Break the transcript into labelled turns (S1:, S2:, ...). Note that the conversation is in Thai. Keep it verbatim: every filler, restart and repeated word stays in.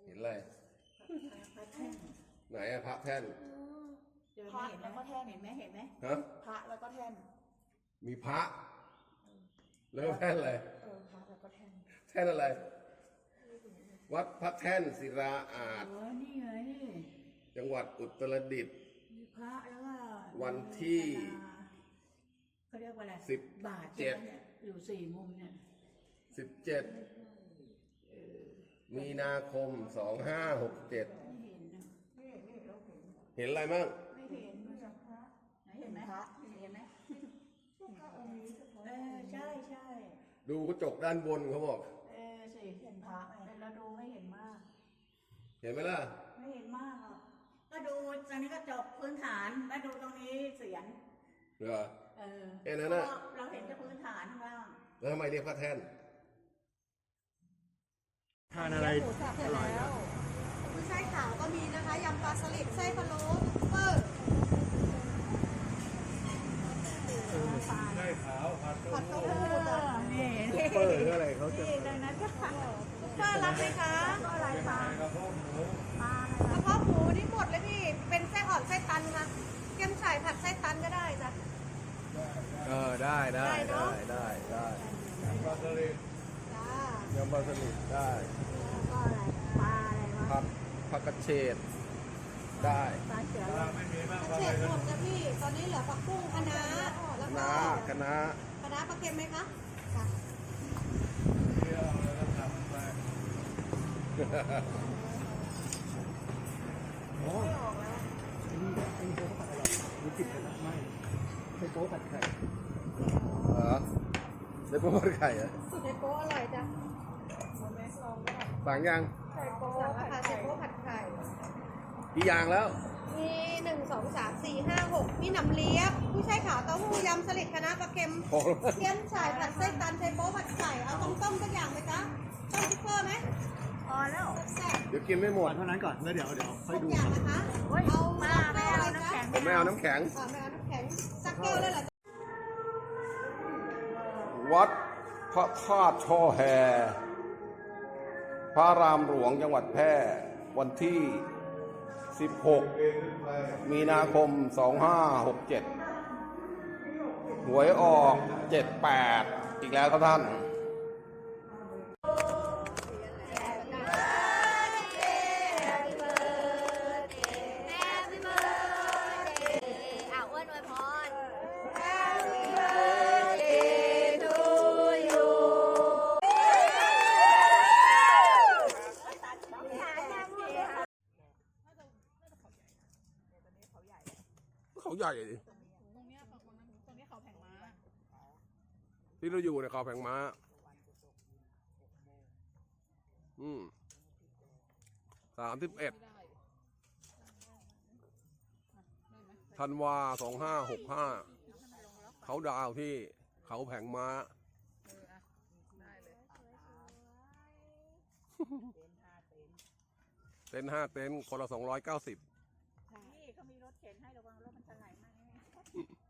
S1: เห็นอะไร
S2: พระแท่น
S1: ไหนอะพระแท่น
S2: พระแล้วก็แท่นเห็นไหมเห็นไหม
S1: ฮะ
S2: พระแล้วก็แท่น
S1: มีพระแล้วแท่นอะไร
S2: เออพระแล้วก็แท่น
S1: แท่นอะไรวัดพระแท่นศิลาอาจ
S2: เออนี่ไง
S1: จังหวัดอุตรดิตถ์
S2: มีพระแล้วก็
S1: วันที่
S2: เขาเรียกว่าอะไร
S1: สิบบาทเจ็ด
S2: อยู่สี่มุมเนี่ย
S1: สิบเจ็ดมีนาคมสองห้าหกเจ็ดเห็นอะไรมั่ง
S2: ไม่เห็นไม่พระไหนเห็นไหมพระเห็นไหมเออใช่ใช่
S1: ดูกระจกด้านบนเขาบอก
S2: เออสิเห็นพระแต่เราดูไม่เห็นมาก
S1: เห็นไหมล่ะ
S2: ไม่เห็นมากอ่ะก็ดูตอนนี้ก็จบพื้นฐานแล้วดูตรงนี้เสียง
S1: เหรอ
S2: เออ
S1: แค่นั้นนะ
S2: เราเห็นแต่พื้นฐานข้างล่าง
S1: แล้วทำไมเรียกพระแท่น
S3: ทานอะไร
S4: อร่อยแล้วกุ้ยช่ายขาวก็มีนะคะยำปลาสลิดไส้พะโล้เปิด
S3: ไส้ขาวผัด
S4: ผัดเต้าหู้
S2: นี่
S3: เปิดอะไรเขาจะ
S2: นี่ดังนั้นก็ค่ะ
S4: เปิดรับไหมคะ
S2: อะไรคะ
S3: กระเพาะหมู
S2: ปลาก
S4: ระเพาะหมูนี่หมดเลยพี่เป็นไส้อ่อนไส้ตันค่ะเกี๊ยมฉ่ายผัดไส้ตันก็ได้จ้ะ
S3: เออได้ได้ได้ได้ได้ยำปลาสลิด
S4: จ้าย
S3: ำปลาสลิดได้
S2: ก็อะไรปลาอะไรวะ
S1: ผักผักกระเฉดได้
S2: ปลาเสือ
S3: ไม่มีมาก
S4: กระเฉดหมดนะพี่ตอนนี้เหลือผักบุ้งคะน้าแล้วก็
S1: น้าคณะ
S4: คะน้าปลาเค็มไหมคะค่ะ
S3: เที่ยวแล้วก็ทำไปโอ้ยนี่ไอ้โป๊ผัดอะไรรู้จิตเลยนะไม่ไอ้โป๊ผัดไข่
S1: เหรอได้โป๊ผัดไข่เหรอ
S4: ไส้โป๊อร่อยจ้ะ
S1: สั่งยัง
S4: ไส้โป๊สั่งราคาไส้โป๊ผัดไข่
S1: กี่อย่างแล้ว
S4: มีหนึ่งสองสามสี่ห้าหกมีหนำเลียบผู้ใช้ขาวเต้าหู้ยำสลิดคะน้าปลาเค็มเกี๊ยมฉ่ายผัดไส้ตันไส้โป๊ผัดไข่เอาต้มต้มสักอย่างไหมจ๊ะชอบซุปเปอร์ไหม
S2: พอแล้ว
S4: แซ่บ
S1: เดี๋ยวกินไม่หมด
S3: เท่านั้นก่อนแล้วเดี๋ยวเดี๋ยวค่อยดู
S4: อย่างนะคะเอา
S2: มาไม่เอาน้ำแข็ง
S1: ผมไม่เอาน้ำแข็ง
S4: ไม่เอาน้ำแข็งสักแก้วเลยเหรอ
S1: วัดพระธาตุช่อแฮพระรามหลวงจังหวัดแพร่วันที่สิบหกมีนาคมสองห้าหกเจ็ดหวยออกเจ็ดแปดอีกแล้วครับท่านเขาใหญ่ดิตรงนี้ตรงนี้เขาแผงม้าที่เราอยู่ในเขาแผงม้าอืมสามสิบเอ็ดธันวาสองห้าหกห้าเขาดาวที่เขาแผงม้าเต็นท์ห้าเต็นท์คนละสองร้อยเก้าสิบ
S2: นี่เขามีรถเข็นให้ระวังรถมันจะไหลมาก